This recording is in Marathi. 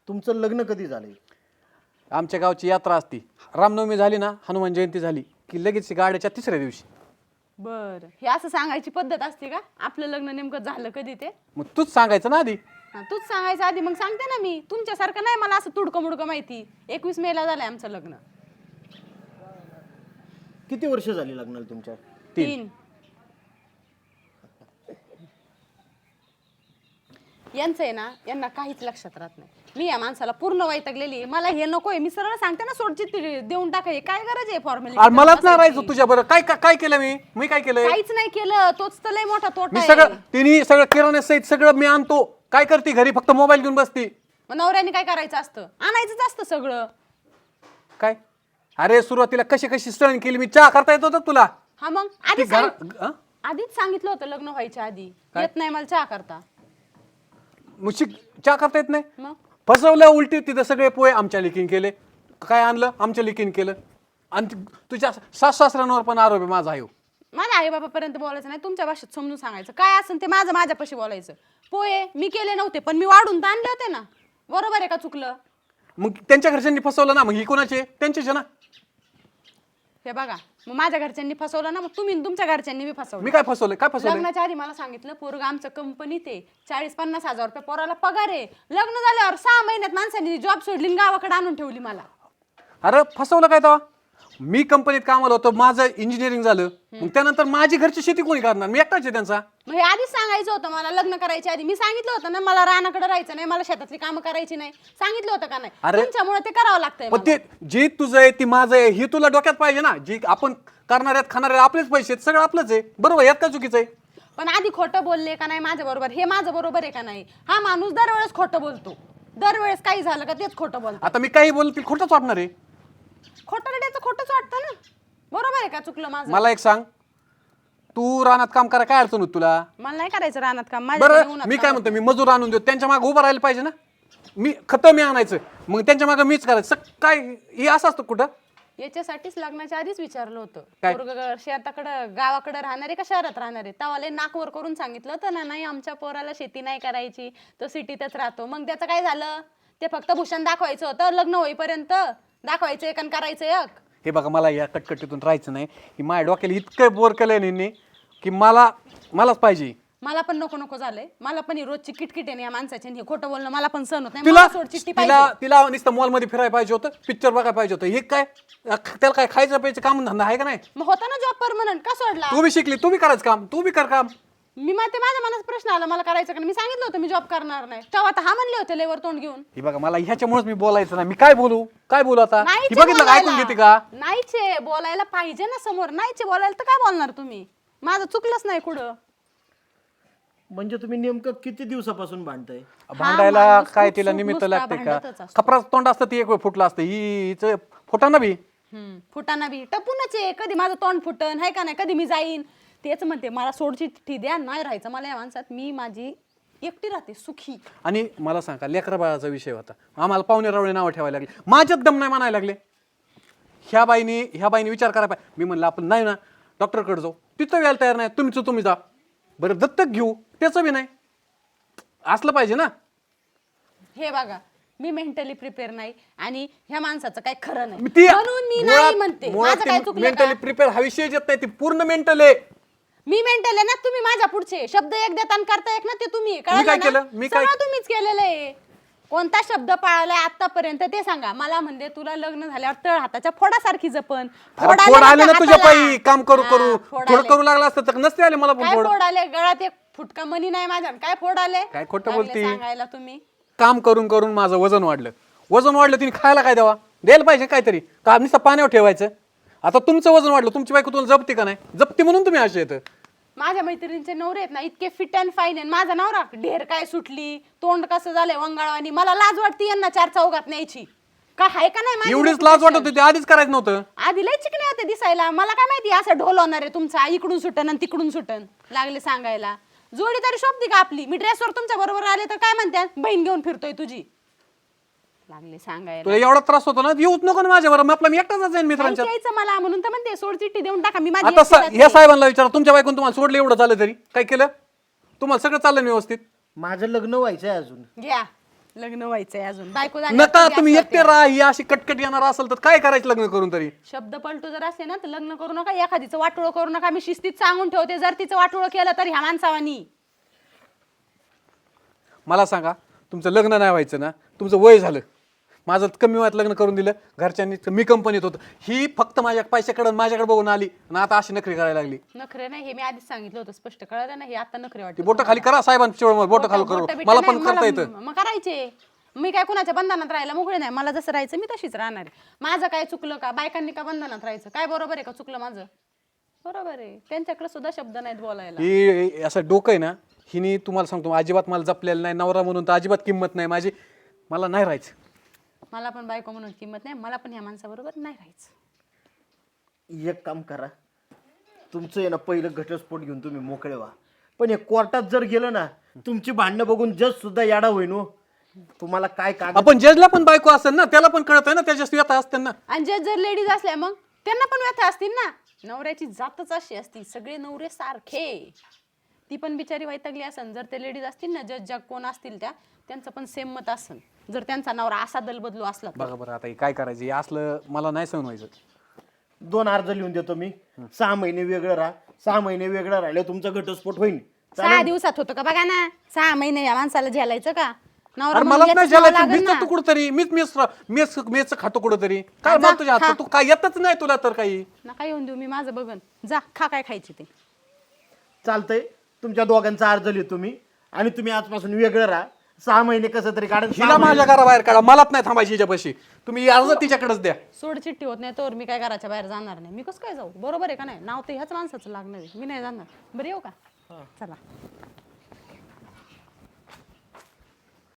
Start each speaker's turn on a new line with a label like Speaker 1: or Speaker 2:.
Speaker 1: तुमचं लग्न कधी झालंय?
Speaker 2: आमच्या गावची यात्रा असती, रामनवमी झाली ना, हनुमान जयंती झाली की लगेच गाड्याच्या तिसऱ्या दिवशी.
Speaker 3: बर, हे असं सांगायची पद्धत असते का? आपलं लग्न नेमकं झालं कधी ते?
Speaker 2: मग तूच सांगायचं ना आधी.
Speaker 3: तूच सांगायचं आधी, मग सांगते ना मी. तुमच्यासारखं नाही मला असं तुडकं मुडकं माहिती. 21 मेला झालंय आमचं लग्न.
Speaker 1: किती वर्ष झाली लग्नाला तुमच्या?
Speaker 3: 3. यांचं आहे ना, यांना काहीच लक्षात राहत नाही. मी या माणसाला पूर्ण वैतागलेली. मला हे नकोय. मी सरळ सांगते ना, सोडचिठ्ठी देऊन टाकाय. काय गरज आहे फॉर्मॅलिटी?
Speaker 2: मलाच नाही राहायचं तुझ्या बरं. काय काय केलं मी काय केलंय?
Speaker 3: काहीच नाही केलं. तोच तर लय मोठा तोटा
Speaker 2: मी
Speaker 3: आहे.
Speaker 2: सगळं तिने सगळं किराणा सहित सगळं मी आणतो. काय करते घरी? फक्त मोबाईल घेऊन बसती.
Speaker 3: मग नवऱ्याने काय करायचं असतं? आणायचंच असतं सगळं.
Speaker 2: काय अरे सुरुवातीला कशी कशी सण केली मी. चहा करता येत होता तुला?
Speaker 3: हा मग
Speaker 2: ती
Speaker 3: आधीच सांगितलं होतं लग्न व्हायच्या आधी. येत नाही मला चहा करता.
Speaker 2: चहा करता येत नाही?
Speaker 3: मग
Speaker 2: फसवलं उलटी. तिथं सगळे पोहे आमच्या लिखीन केले. काय आणलं? आमच्या लिखीन केलं. आणि तुझ्या सासऱ्यांवर पण आरोप आहे माझा.
Speaker 3: माझ्या आई बाबापर्यंत बोलायचं नाही. तुमच्या भाषेत समजून सांगायचं. काय असेल ते माझ्यापाशी बोलायचं. पोहे मी केले नव्हते, पण मी वाढून तर आणले होते ना. बरोबर आहे का? चुकलं?
Speaker 2: मग त्यांच्या घरच्यांनी फसवलं ना. मग ही कोणाचे? त्यांचेच ना.
Speaker 3: हे बघा, मग माझ्या घरच्यांनी फसवलं ना, मग तुम्ही तुमच्या घरच्यांनी बी फसवलं.
Speaker 2: मी काय फसवलंय? काय फसवलंय?
Speaker 3: लग्नाच्या आधी मला सांगितलं पोरग आमचं कंपनीत आहे, 40-50 हजार रुपये पोराला पगार आहे. लग्न झाल्यावर 6 महिन्यात माणसांनी जॉब सोडली, गावाकडे आणून ठेवली मला.
Speaker 2: अरे फसवलं काय तेव्हा? मी कंपनीत कामाला होतो, माझं इंजिनिअरिंग झालं. मग त्यानंतर माझी घरची शेती कोणी करणार? मी एकटाच आहे त्यांचा.
Speaker 3: मग हे आधीच सांगायचं होतं मला. लग्न करायच्या आधी मी सांगितलं होतं ना, मला रानाकडे राहायचं नाही, मला शेतातली कामं करायची नाही. सांगितलं होतं का नाही? तुमच्यामुळे ते करावं लागतंय
Speaker 2: पण ते जे तुझं आहे ती माझं आहे हे तुला डोक्यात पाहिजे ना. जी आपण करणाऱ्यात खाणाऱ्यात आपलेच पैसे आहेत, सगळं आपलंच आहे. बरोबर? यात काय चुकीचं आहे?
Speaker 3: पण आधी खोटं बोलले का नाही माझ्या बरोबर? हे माझं बरोबर आहे का नाही? हा माणूस दरवेळेस खोटं बोलतो. दरवेळेस काही झालं का तेच खोटं बोलतो.
Speaker 2: आता मी काही बोलतील खोटंच वाटणार आहे.
Speaker 3: खोटं रडायचं खोटंच वाटतं ना. बरोबर आहे का? चुकलं माझं?
Speaker 2: मला एक सांग, तू रानात काम करा काय अडचण होत तुला?
Speaker 3: मला नाही करायचं रानात काम.
Speaker 2: बरं मी काय म्हणतो, मी मजूर आणून देतो, त्यांच्या मागे उभं राहायला पाहिजे ना. मी खतं मी आणायचं, मग त्यांच्या मागे मीच करायचं. काय हे असं असतं कुठं?
Speaker 3: याच्यासाठीच लग्नाच्या आधीच विचारलं होतं.
Speaker 2: काय?
Speaker 3: पोरगं शेताकडं गावाकडे राहणारे का शहरात राहणारे? तवाले नाकवर करून सांगितलं होतं ना, नाही आमच्या पोराला शेती नाही करायची, तो सिटीतच राहतो. मग त्याचं काय झालं? ते फक्त भूषण दाखवायचं होतं लग्न होईपर्यंत. दाखवायचं एक आणि करायचं एक.
Speaker 2: हे बघा, मला या कटकटीतून राहायचं नाही. ही माझ्या डोक्याला इतकं बोर केलंय यांनी की मलाच पाहिजे.
Speaker 3: मला पण नको नको झालंय. मला पण ही रोजची किटकिट आहे या माणसाची. हे खोटं बोलणं मला पण सहन होत नाही.
Speaker 2: तिला
Speaker 3: मला सोड चिठ्ठी पाहिजे.
Speaker 2: तिला नुसतं मॉलमध्ये फिरायला पाहिजे होतं, पिक्चर बघायला पाहिजे होतं. हे काय त्याला काय खायचं प्यायचं काम धंदा आहे का नाही?
Speaker 3: मग होता ना जॉब परमनंट, का सोडला?
Speaker 2: तू बी शिकली, तू बी करायचं काम, तू बी कर काम.
Speaker 3: मी ते माझ्या मनात प्रश्न आला मला करायचं का नाही. मी सांगितलं होतं मी जॉब करणार नाही. तेव्हा आता हा म्हणले होते लेवर तोंड घेऊन.
Speaker 2: हे बघा, मला ह्याच्यामुळेच मी बोलायचं नाही. मी काय बोलू आता?
Speaker 3: नाहीचे
Speaker 2: हे बघितलं का? ऐकून
Speaker 3: बोलायला.
Speaker 2: घेते का?
Speaker 3: नाहीचे बोलायला पाहिजे ना समोर. नाहीचे बोलायला तर काय बोलणार तुम्ही? माझं चुकलंच नाही कुठं.
Speaker 1: म्हणजे तुम्ही नेमकं किती दिवसापासून भांडताय?
Speaker 2: भांडायला
Speaker 3: माणूस
Speaker 2: काय
Speaker 3: खूप
Speaker 2: तिला
Speaker 3: सुख
Speaker 2: निमित्त
Speaker 3: नुसता
Speaker 2: लागते का?
Speaker 3: भांडतच असतो.
Speaker 2: खपराचं तोंड असतं ती एक वेळ फुटलं असतं. हिचं फुटाना बी.
Speaker 3: फुटाना बी टपूनच आहे. कधी माझं तोंड फुटन आहे का नाही, कधी मी जाईन. तेच म्हणते मला सोडची चिठ्ठी द्या. नाही राहायचं मला या माणसात. मी माझी एकटी राहते सुखी.
Speaker 2: आणि मला सांगा, लेकरा बाळाचा विषय होता, आम्हाला पाहुणे रावळे नावं ठेवायला लागले. माझ्यात दम नाही म्हणायला लागले. ह्या बाईने विचार करायला पाहिजे. मी म्हणलं आपण नाही ना डॉक्टरकडे जाऊ, तिथं यायला तयार नाही. तुम्ही जा. बरं दत्तक घेऊ, त्याचं बी नाही. असलं पाहिजे ना.
Speaker 3: हे बघा, मी मेंटली प्रिपेअर नाही आणि ह्या माणसाचं काही खरं नाही.
Speaker 2: ती
Speaker 3: म्हणून मी नाही म्हणते. माझं काय चुकलं का?
Speaker 2: मेंटली प्रिपेअर हा विषय येत नाही. ती पूर्ण मेंटल आहे.
Speaker 3: मी मेंटल आहे ना. तुम्ही माझ्या पुढचे शब्द एक देता आणि करता एक ना. ते तुम्ही
Speaker 2: काय
Speaker 3: कळलं
Speaker 2: केलं?
Speaker 3: ना?
Speaker 2: मी काय
Speaker 3: सगळं तुम्हीच केलेलं आहे. कोणता शब्द पाळलाय आतापर्यंत ते सांगा मला. म्हणजे तुला लग्न झाल्यावर तळ हाताच्या फोडासारखी जपन.
Speaker 2: फोड आले ना तुझ्या पायी. काम करू
Speaker 3: फोड
Speaker 2: थोडं
Speaker 3: आले.
Speaker 2: करू लागला असतं तर नसते आले मला पण
Speaker 3: काय
Speaker 2: फोड.
Speaker 3: फोड आले? गळ्यात एक फुटका मनी नाही माझ्या. काय फोड आले?
Speaker 2: काय खोटं
Speaker 3: लागले
Speaker 2: बोलती?
Speaker 3: सांगायला तुम्ही.
Speaker 2: काम करून करून माझं वजन वाढलं. तिने खायला काय द्यायला पाहिजे काहीतरी. का नुसतं पाण्यावर ठेवायचं? आता तुमचं वजन वाढलं, तुमची बायको तुला जपते का नाही? जपते म्हणून तुम्ही असे येतं.
Speaker 3: माझ्या मैत्रिणींचे नवरे आहेत ना इतके फिट अँड फाईन आहे. माझा नवरा ढेर काय सुटली, तोंड कसं झालंय वंगाळवानी. मला लाज वाटते यांना 4 चौघात न्यायची. काय आहे का नाही?
Speaker 2: एवढीच लाज वाटत होती, आधीच करायचं नव्हतं.
Speaker 3: आधी लय चिकने होते दिसायला. मला काय माहिती असं ढोल होणार आहे तुमचा. इकडून सुटन आणि तिकडून सुटन. लागले सांगायला. जोडी तरी शोभती का आपली? मी ड्रेसवर तुमच्या बरोबर आले तर काय म्हणतात? बहीण घेऊन फिरतोय तुझी. लागले सांगायला.
Speaker 2: तुला एवढा त्रास होतो ना, येऊच नको ना माझ्यावर. आपला मी एकटाच जाईन मित्रांच्या.
Speaker 3: यायचं मला म्हणून तर म्हणते सोड चिठ्ठी देऊन टाका. मी माझी
Speaker 2: आता
Speaker 3: एकटी राहते.
Speaker 2: या साहेबांना विचारा, तुमच्या बायकोन तुम्हाला सोडलं एवढं झालं तरी काय केलं? तुम्हाला सगळं चाललं व्यवस्थित?
Speaker 1: माझं लग्न व्हायचंय अजून.
Speaker 3: घ्या लग्न व्हायचंय अजून बायको
Speaker 2: नका तुम्ही एकटे राहा, ही अशी कटकट येणार असेल तर काय करायचं लग्न करून तरी.
Speaker 3: शब्द पलटू जर असले ना तर लग्न करू नका, एखादीचं वाटोळं करू नका. मी शिस्तीत सांगून ठेवते, जर तिचं वाटोळं केलं तर ह्या माणसावानी.
Speaker 2: मला सांगा, तुमचं लग्न नाही व्हायचं ना, तुमचं वय झालं, माझं कमी वयात लग्न करून दिलं घरच्यांनी, मी कंपनीत होतो, ही फक्त माझ्या पैशाकडे माझ्याकडे बघून आली आणि आता अशी नखरी करायला लागली.
Speaker 3: नखरे नाही, हे मी आधीच सांगितलं होतं, स्पष्ट कळलं ना. हे आता नखरे वाटते.
Speaker 2: बोट खाली करा साहेबांच्या वेळेवर, बोट खाली करू, मला पण करता येतं.
Speaker 3: मग करायचे. मी काय कुणाच्या बंधनात राहायला मोकळे नाही. मला जसं राहायचं मी तशीच राहणार आहे. माझं काय चुकलं का? बायकांनी का बंधनात राहायचं? काय बरोबर आहे का चुकलं माझं? बरोबर आहे. त्यांच्याकडे सुद्धा शब्द नाहीत बोलायला.
Speaker 2: ही असं डोकं आहे ना, हिने तुम्हाला सांगतो अजिबात मला जपलेलं नाही, नवरा म्हणून तर अजिबात किंमत नाही माझी, मला नाही राहायचं.
Speaker 3: मला पण बायको म्हणून किंमत नाही, मला पण ह्या माणसाबरोबर नाही राहायचं.
Speaker 1: एक काम करा, तुमचं आहे ना पहिलं घटस्फोट घेऊन तुम्ही मोकळे व्हा. पण हे कोर्टात जर गेलं ना, तुमची भांडणं बघून जज सुद्धा याडा होईन हो. तुम्हाला काय कागद.
Speaker 2: आपण जजला पण बायको असेल ना, त्याला पण कळत आहे ना, त्याच्या व्यथा असते ना.
Speaker 3: आणि जर लेडीज असल्या मग त्यांना पण व्यथा असतील ना. नवऱ्याची जातच अशी असती, सगळे नवरे सारखे. ती पण बिचारी वैतागली असन. जर ते लेडीज असतील ना, जज कोण असतील त्यांचं पण सेम मत असन. जर त्यांचा नवरा असा दलबदलू असला तर.
Speaker 2: बघा बरं आता हे काय करायचं, हे असलं मला नाही सहन व्हायचं.
Speaker 1: 2 अर्ज लिहून देतो मी. 6 महिने वेगळं राहा. 6 महिने वेगळं राहिले तुमचा घटस्फोट होईल.
Speaker 3: 6 दिवसात होतं का बघा ना. 6 महिने या माणसाला झेलायचं का? नवरा
Speaker 2: अरे
Speaker 3: म्हणून
Speaker 2: मला नाही
Speaker 3: याचंच नाव
Speaker 2: झालं,
Speaker 3: लागेल
Speaker 2: मीच
Speaker 3: ना.
Speaker 2: तू कुठतरी मेच खातो कुठतरी. काय मला तुझ्या हातात, तू काय येतच नाही तुला तर काही.
Speaker 3: नका येऊन देऊ, मी माझं बघन. जा खा काय खायची ते.
Speaker 1: चालतंय, तुमच्या दोघांचा अर्ज लिहितो मी आणि तुम्ही आजपासून वेगळं राहा. 6 महिने कसं तरी काढा.
Speaker 2: हिला माझ्या घराबाहेर काढा, मलाच नाही थांबायची हिच्यापाशी. तुम्ही अर्ज तिच्याकडेच द्या.
Speaker 3: सोड चिठ्ठी होत नाही तर मी काय घराच्या बाहेर जाणार नाही. मी कसं काय जाऊ? बरोबर आहे का नाही? नाव तर ह्याच माणसाचं लागणार आहे. मी नाही जाणार. बरं येऊ का? चला.